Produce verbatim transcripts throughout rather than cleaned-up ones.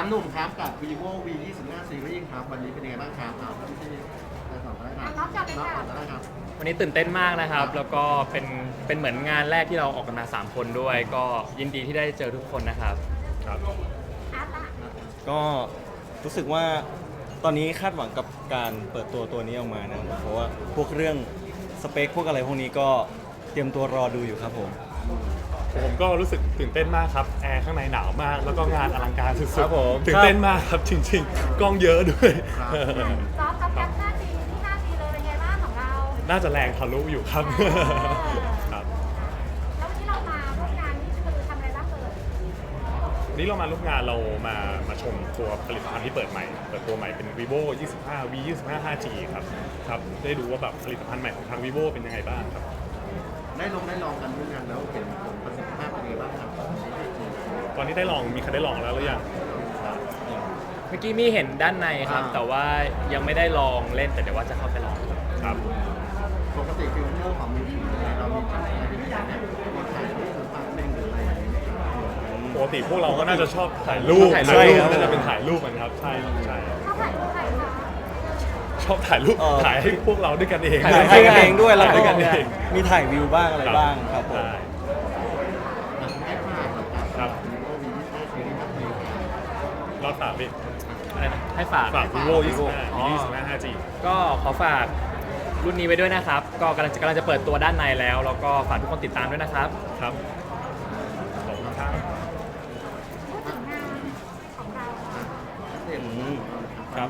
ามหนุ่มครับกับ vivo v ยี่สิบห้า series ครับวันนี้เป็นยังไงบ้างครับเอาที่ที่ได้สอบได้ครับน้องจับเลยน้องค่ะก่อนได้ครับวันนี้ตื่นเต้นมากนะครับแล้วก็เป็นเป็นเหมือนงานแรกที่เราออกกันมาสามคนด้วย ก็ยินดีที่ได้เจอทุกคนนะครับครับอาร์ตอะก็รู้สึกว่าตอนนี้คาดหวังกับการเปิดตัวตัวนี้ออกมานะครับเพราะว่าพวกเรื่องสเปคพวกอะไรพวกนี้ก็เตรียมตัวรอดูอยู่ครับผมผมก็รู้สึกตื่นเต้นมากครับแอร์ข้างในหนาวมากแล้วก็งานอลังการสุดครับผมๆตื่นเต้นมากครับจริงๆกล้องเยอะด้วยซอฟต์กับแคปหน้าจีที่หน้าจีเลยเป็นไงบ้างของเราน่าจะแรงทะลุอยู่ครับครับแล้ววันนี้เรามาร่วมงานนี่คือทำอะไรบ้างเอ่ยวันนี้เรามาร่วมงานเรามามาชมตัวผลิตภัณฑ์ที่เปิดใหม่เปิดตัวใหม่เป็น vivo ยี่สิบห้า v ยี่สิบห้า 5G ครับครับได้ดูว่าแบบผลิตภัณฑ์ใหม่ของทาง vivo เป็นยังไงบ้างครับได้ลงได้ลองกันด้วยกันแล้วเห็นผลประสิทธิภาพเป็นยังไงบ้างครับตอนนี้ได้ลองมีใครได้ลองแล้วหรือยังเมื่อกี้มีเห็นด้านในครับอ่าแต่ว่ายังไม่ได้ลองเล่นแต่เดี๋ยวว่าจะเข้าไปลองครับครับปกติฟิลเตอร์ของมือถือเนี่ยเรามีอะไรที่อยากเนี่ยมีถ่ายรูปหรือภาพนิ่งหรืออะไรอย่างเงี้ยปกติพวกเราก็น่าจะชอบถ่ายรูปถ่ายรูปถ่ายรูปครับน่าจะเป็นถ่ายรูปกันครับใช่ใช่เข้าถ่ายรูปใครคะชอบถ่ายรูปเอ่อถ่ายให้พวกเราด้วยกันเองถ่ายให้กันเองด้วยแล้วถ่ายก็ด้วยกันเองมีถ่ายวิวบ้างอะไรบ้างครับผมใช่ให้ภาพนะครับครับ vivo v ยี่สิบห้า series ครับนี่รอบสามพี่อะไรนะให้ฝากฝาก vivo ยี่สิบห้าอ๋อยี่สิบห้า ห้าจีก็ขอฝากรุ่นนี้ไว้ด้วยนะครับ ก็กำลังจะกำลังจะเปิดตัวด้านในแล้ว แล้วก็ฝากทุกคนติดตามด้วยนะครับครับขอบคุณครับพูดถึงงานของเราอะเด่นอืมครับ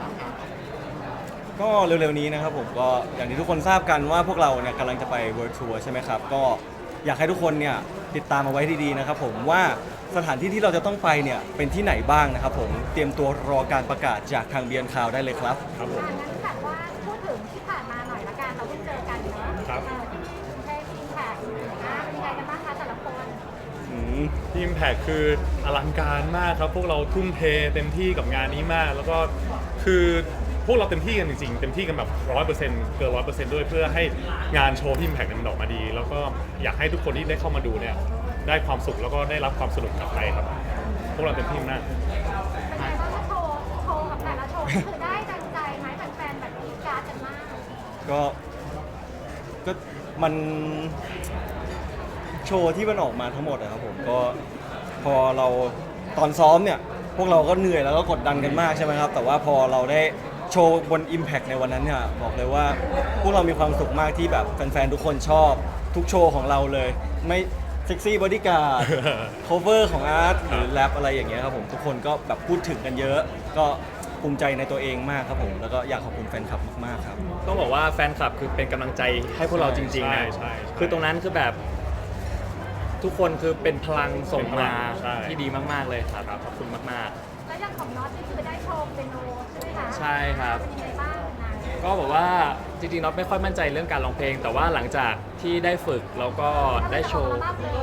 ก็เร็วๆนี้นะครับผมก็อย่างที่ทุกคนทราบกันว่าพวกเราเนี่ยกำลังจะไป World Tour ใช่ไหมครับก็อยากให้ทุกคนเนี่ยติดตามเอาไว้ดีๆนะครับผมว่าสถานที่ที่เราจะต้องไปเนี่ยเป็นที่ไหนบ้างนะครับผมเตรียมตัวรอการประกาศจากทางเบียนคาวได้เลยครับครับผมอ่ะงั้นแบบว่าพูดถึงที่ผ่านมาหน่อยละกันเราเพิ่งเจอกันเนาะครับเออที่เทพอิมแพคนะเป็นยังไงกันบ้างคะแต่ละคนอืมทีมแพคคืออลังการมากครับ พวกเราทุ่มเทเต็มที่กับงานนี้มาก แล้วก็คือพวกเราเต็มที่กันจริงๆ เต็มที่กันแบบร้อยเปอร์เซ็นต์เกินร้อยเปอร์เซ็นต์ด้วยเพื่อให้งานโชว์ทีมแพคมันออกมาดี แล้วก็อยากให้ทุกคนที่ได้เข้ามาดูเนี่ยได้ความสุขแล้วก็ได้รับความสนุกกลับไปครับ พวกเราเต็มที่มากเป็นไงบ้างคะโชว์โชว์กับแต่ละโชว์นี่คือได้ดังใจไหมแฟนๆแบบกรี๊ดกราร์ดกันมากก็ก็มันโชว์ที่มันออกมาทั้งหมดนะครับผมก็พอเราตอนซ้อมเนี่ยพวกเราก็เหนื่อยแล้วก็กดดันกันมากใช่ไหมครับแต่ว่าพอเราได้โชว์บน Impact ในวันนั้นเนี่ยบอกเลยว่าพวกเรามีความสุขมากที่แบบแฟนๆทุกคนชอบทุกโชว์ของเราเลยไม่เซ็กซี่บอดี้การ์ด cover ของอาร์ตหรือแรปอะไรอย่างเงี้ยครับผมทุกคนก็แบบพูดถึงกันเยอะ ก็ภูมิใจในตัวเองมากครับผมแล้วก็อยากขอบคุณแฟนคลับมากๆครับต้องบอกว่าแฟนคลับคือเป็นกำลังใจให้พวกเราจริงๆนะใช่ใช่ใช่คือตรงนั้นคือแบบทุกคนคือเป็นพลังส่งมาใช่ที่ดีมากๆเลยครับขอบคุณมากแล้วอย่างของน็อตนี่คือได้โชว์เป็นโนใช่ไหมคะใช่ครับเป็นยังไงบ้างนะๆ ก็บอกว่าจริงๆน็อตไม่ค่อยมั่นใจเรื่องการร้องเพลง แต่ว่าหลังจากที่ได้ฝึกแล้วก็ได้โชว์มากเลย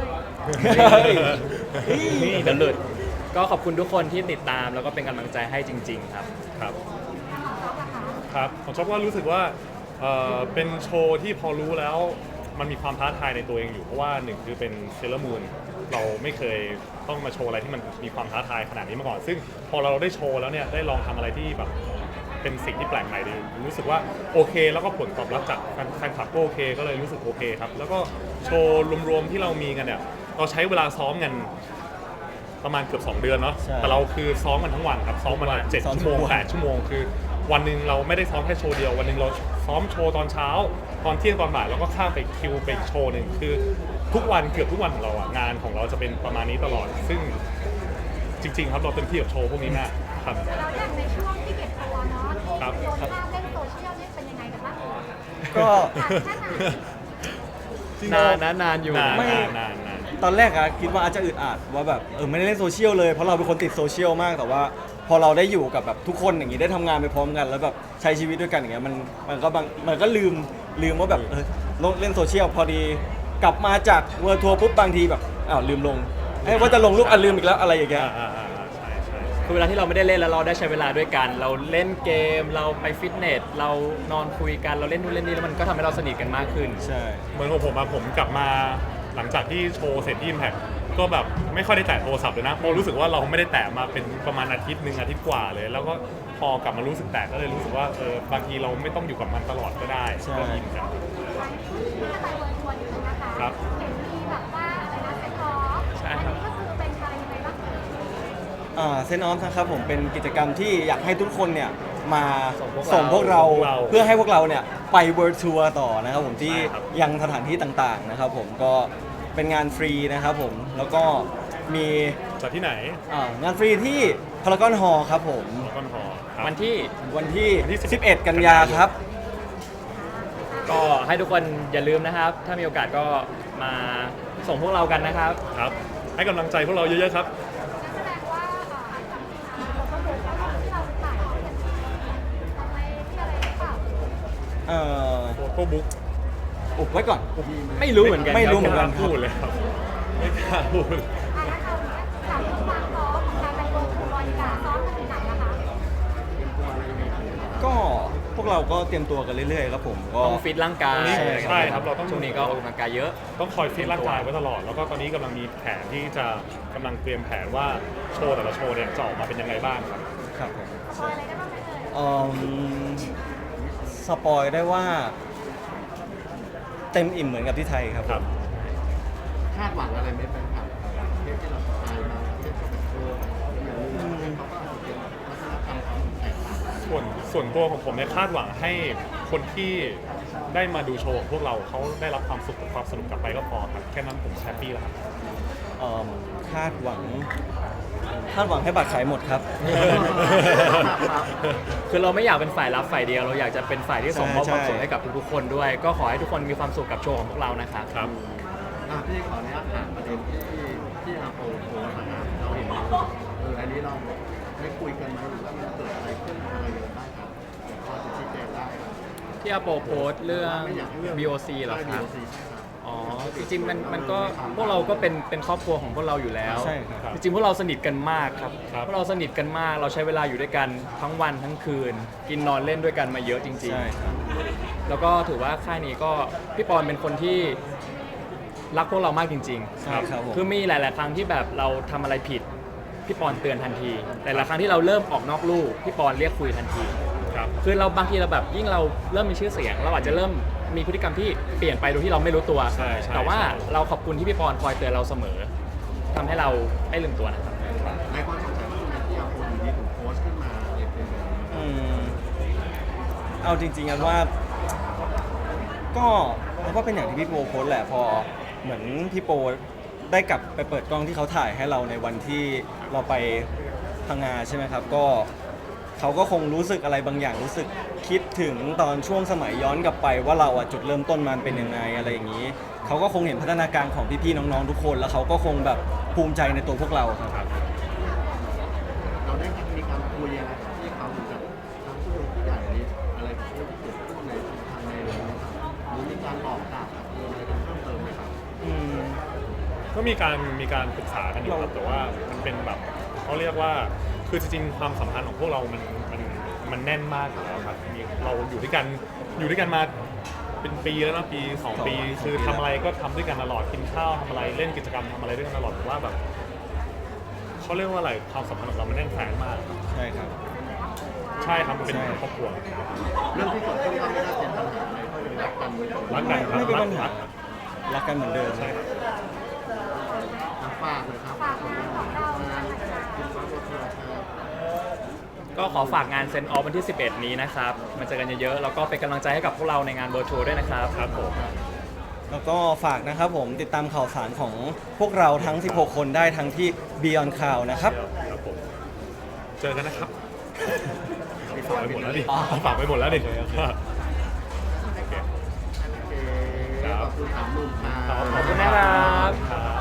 นี่เดลุดก็ขอบคุณทุกคนที่ติดตามแล้วก็เป็นกำลังใจให้จริง ๆ ครับครับของซอฟอะคะครับผมชอบว่ารู้สึกว่าเอ่อเป็นโชว์ที่พอรู้แล้วมันมีความท้าทายในตัวเองอยู่เพราะว่าหนึ่งคือเป็นเซเลอร์มูนเราไม่เคยต้องมาโชว์อะไรที่มันมีความท้าทายขนาดนี้มาก่อน ซึ่งพอเราได้โชว์แล้วเนี่ยได้ลองทำอะไรที่แบบเป็นสิ่งที่แปลกใหม่ดีรู้สึกว่าโอเค แล้วก็ผลตอบรับจากแฟนแฟนคลับก็โอเค ก็เลยรู้สึกโอเคครับแล้วก็โชว์รวมๆที่เรามีกันเนี่ยเราใช้เวลาซ้อมกันประมาณเกือบสองเดือนเนาะใช่แต่เราคือซ้อมกันทั้งวันครับซ้อมมาเจ็ดซ้อมชั่วโมงทุกวันแปดชั่วโมงคือวันหนึ่งเราไม่ได้ซ้อมแค่โชว์เดียววันหนึ่งเราซ้อมโชว์ตอนเช้า ตอนเที่ยงตอนบ่ายแล้วก็ข้ามไปคิวไปอีกโชว์หนึ่งคือทุกวันเกือบทุกวันของเราอะงานของเราจะเป็นประมาณนี้ตลอด ซึ่งจริง ๆ ครับเราเต็มที่กับโชว์พวกนี้มากครับแล้วอย่างในช่วงที่เก็บตัวเนาะที่ครับโดนภาพเล่นโซเชียลนี่เป็นยังไงกันบ้างก็ผ่านแค่ไหนนานนะนานอยู่นานไม่นานนานนานตอนแรกอะคิดว่าอาจจะอึดอัดว่าแบบเออไม่ได้เล่นโซเชียลเลยเพราะเราเป็นคนติดโซเชียลมากแต่ว่าพอเราได้อยู่กับแบบทุกคนอย่างนี้ได้ทำงานไปพร้อมกัน แล้วแบบใช้ชีวิตด้วยกันอย่างเงี้ยมันมันก็บางมันก็ลืมลืมว่าแบบเออลงเล่นโซเชียลพอดีกลับมาจากเวอร์ทัวร์ปุ๊บบางทีแบบอ้าวลืมลงเอ้ยว่าจะลงรูปอ่ะลืมอีกแล้วอะไรอย่างเงี้ยอ่าอ่าอ่าใช่ใช่คือเวลาที่เราไม่ได้เล่นแล้วเราได้ใช้เวลาด้วยกัน เราเล่นเกมเราไปฟิตเนสเรานอนคุยกันเราเล่นนู่นเล่นนี่แล้วมันก็ทำให้เราสนิทกันมากขึ้นใช่เหมือนของผมอะผมกลับมาหลังจากที่โชว์เสร็จที่ Impact ผก็แบบไม่ค่อยได้แตะโทรศัพท์เลยนะเพราะรู้สึกว่าเราไม่ได้แตะมาเป็นประมาณอาทิตย์หนึ่งอาทิตย์กว่าเลย แล้วก็พอกลับมารู้สึกแตะก็เลยรู้สึกว่าเออบางทีเราไม่ต้องอยู่กับมันตลอดก็ได้ใช่ก็ยินกันที่มาไปเวิร์ชวนนิดนึงนะคะครับเห็นมีแบบว่าอะไรนะเซ็ตออฟใช่อันครับนี้ก็คือเป็นอะไรยังไงบ้างคะอ่าเซนออฟนะครับผมเป็นกิจกรรมที่อยากให้ทุกคนเนี่ยมาส่งพวกเราส่งพวกเราส่งพวกเราเพื่อให้พวกเราเนี่ยไปเวิร์ทัวร์ต่อนะครับผมที่ใช่ครับยังสถานที่ต่างๆนะครับผมก็เป็นงานฟรีนะครับผมแล้วก็มีจัดที่ไหนอ่างานฟรีที่พารากอนฮอลล์ครับผมแล้วก็พอครับวันที่วันที่วันที่สิบเอ็ด กันยาครับก็ให้ทุกคนอย่าลืมนะครับ ถ้ามีโอกาสก็มาส่งพวกเรากันนะครับครับให้กำลังใจพวกเราเยอะๆครับแสดงว่าเอ่อจำจริงๆเราก็ดูว่าที่เราถ่ายทำกันทำไมที่อะไรหรือเปล่าเอ่อโฟโต้บุ๊กอุบไว้ก่อนไม่รู้เหมือนกันไม่รู้คเหมืบอนกันพูดเลยครับไม่กล้าพูดอ่ะงั้นเอาอย่างเงี้ยถามเรื่องความพร้อมของการไปเวิร์ทัวร์ดีกว่าซ้อมกันถึงไหนนะคะก็พวกเราก็เตรียมตัวกันเรื่อยๆครับผมก็ต้องฟิตร่างกายใช่ใช่ครับเราต้องช่วงนี้ก็ออกกำลังกายเยอะต้องคอยฟิตร่างกายไว้ตลอด แล้วก็ตอนนี้กำลังมีแผนที่จะกำลังเตรียมแผนว่าโชว์แต่ละโชว์เนี่ยจะออกมาเป็นยังไงบ้างครับครับผมพออะไรได้บ้างไหมเอ่ยเอิ่มสปอยได้ว่า เต็มอิ่มเหมือนกับที่ไทยครับครับคาดหวังอะไรไหมแฟนคลับเทปที่เราถ่ายมาเทปแบบเอออย่างนี้เขาก็อาจจะเป็นวัฒนธรรมความแตกต่างส่วนส่วนตัวของผมเนี่ยคาดหวังให้คนที่ได้มาดูโชว์ของพวกเราเขาได้รับความสุขกับความสนุกกลับไปก็พอครับแค่นั้นผมแฮปปี้แล้วครับเอิ่มคาดหวัง คาดหวังให้บัตรขายหมดครับคือเราไม่อยากเป็นฝ่ายรับฝ่ายเดียว เราอยากจะเป็นฝ่ายที่ส่งมอบใช่ความสุขใช่ให้กับทุกๆคนด้วย ก็ขอให้ทุกคนมีความสุขกับโชว์ของพวกเรานะครับครับอ่ะพี่ขออนุญาตถามประเด็นที่ที่อาโปโพสต์นะครับเราเห็นเอออันนี้เราได้คุยกันไหมหรือว่ามันเกิดอะไรขึ้นอะไรยังไงบ้างครับเดี๋ยวพอจะชี้แจงได้ครับที่อาโปโพสต์เรื่องไม่อยากให้เรื่องบี โอ ซี เหรอใช่ครับบี โอ ซี ใช่ครับอ๋อ จริงๆมันมันก็พวกเราก็เป็นเป็นครอบครัวของพวกเราอยู่แล้วใช่ครับจริงๆพวกเราสนิทกันมากครับครับพวกเราสนิทกันมาก เราใช้เวลาอยู่ด้วยกันทั้งวันทั้งคืน กินนอนเล่นด้วยกันมาเยอะจริงใช่ครับๆ แล้วก็ถือว่าค่ายนี้ก็พี่ปอนเป็นคนที่รักพวกเรามากจริงๆใช่ครับผมคือมีหลาย ๆ ครั้งที่แบบเราทำอะไรผิด พี่ปอนเตือนทันที แต่ละครั้งที่เราเริ่มออกนอกลู่พี่ปอนเรียกคุยทันทีครับคือเราบางทีเราแบบยิ่งเราเริ่มมีชื่อเสียง เราอาจจะเริ่มมีพฤติกรรมที่เปลี่ยนไปโดยที่เราไม่รู้ตัวใช่ใช่แต่ว่าใช่เราขอบคุณที่พี่ปอนคอยเตือนเราเสมอทำให้เราไม่ลืมตัวนะครับหลายคนสงสัยว่าทำไมที่อาโปอยู่ดีถึงโพสต์ขึ้นมาอะไรเป็นแบบนี้อืมเอาจริงๆกันว่า ก็มันก็เป็นอย่างที่พี่โปโพสต์แหละพอเหมือนพี่โปได้กลับไปเปิดกล้องที่เขาถ่ายให้เราในวันที่เราไปพังงาใช่ไหมครับ ก็เขาก็คงรู้สึกอะไรบางอย่างรู้สึกคิดถึงตอนช่วงสมัยย้อนกลับไปว่าเราอะจุดเริ่มต้นมันเป็นยังไงอะไรอย่างนี้เขาก็คงเห็นพัฒนาการของพี่ๆน้องๆทุกคน แล้วเขาก็คงแบบภูมิใจในตัวพวกเราครับเราได้มีการคุยอะไรกับที่เขาหรือกับทางผู้ผู้ใหญ่นี้อะไรที่เกิดขึ้นในทางในเรื่องนี้ครับหรือมีการบอกกล่าวกับอะไรกันเพิ่มเติมไหมครับอืมก็มีการมีการปรึกษากันอยู่ครับแต่ว่ามันเป็นแบบเขาเรียกว่าคือจริงๆความสัมพันธ์ของพวกเรามันมันมันแน่นมากอยู่แล้วครับมีเราอยู่ด้วยกันอยู่ด้วยกันมาเป็นปีแล้วนะปีสองปีสองปีคือทำอะไรก็ทำด้วยกันตลอดกินข้าวทำอะไรเล่นกิจกรรมทำอะไรด้วยกันตลอดผมว่าแบบเขาเรียกว่าอะไรความสัมพันธ์ของเรามันแน่นแฟนมากใช่ครับใช่ครับมันเป็นใช่ครอบครัวเรื่องที่เกิดขึ้นก็ไม่ได้เป็นปัญหาอะไรก็คือรักกันไม่ต้องรักกันครับไม่เป็นปัญหารักรักกันเหมือนเดิมใช่ครับฝากเลยครับฝากงานของเราหน่อยค่ะคุณฟ้าวัชราครับก็ขอฝากงานเซนออฟวันที่ สิบเอ็ด นี้นะครับ มาเจอกันเยอะๆ แล้วก็เป็นกำลังใจให้กับพวกเราในงานเวิร์ทัวร์ด้วยนะครับครับผมแล้วก็ฝากนะครับผมติดตามข่าวสารของพวกเราทั้ง สิบหก คนได้ทั้งที่ Beyond Cloud นะครับครับผมเจอกันนะครับฝากไปหมดแล้วดิฝากไปหมดแล้วดิโอเคขอบคุณสามหนุ่มครับขอบขอบคุณนะครับครับ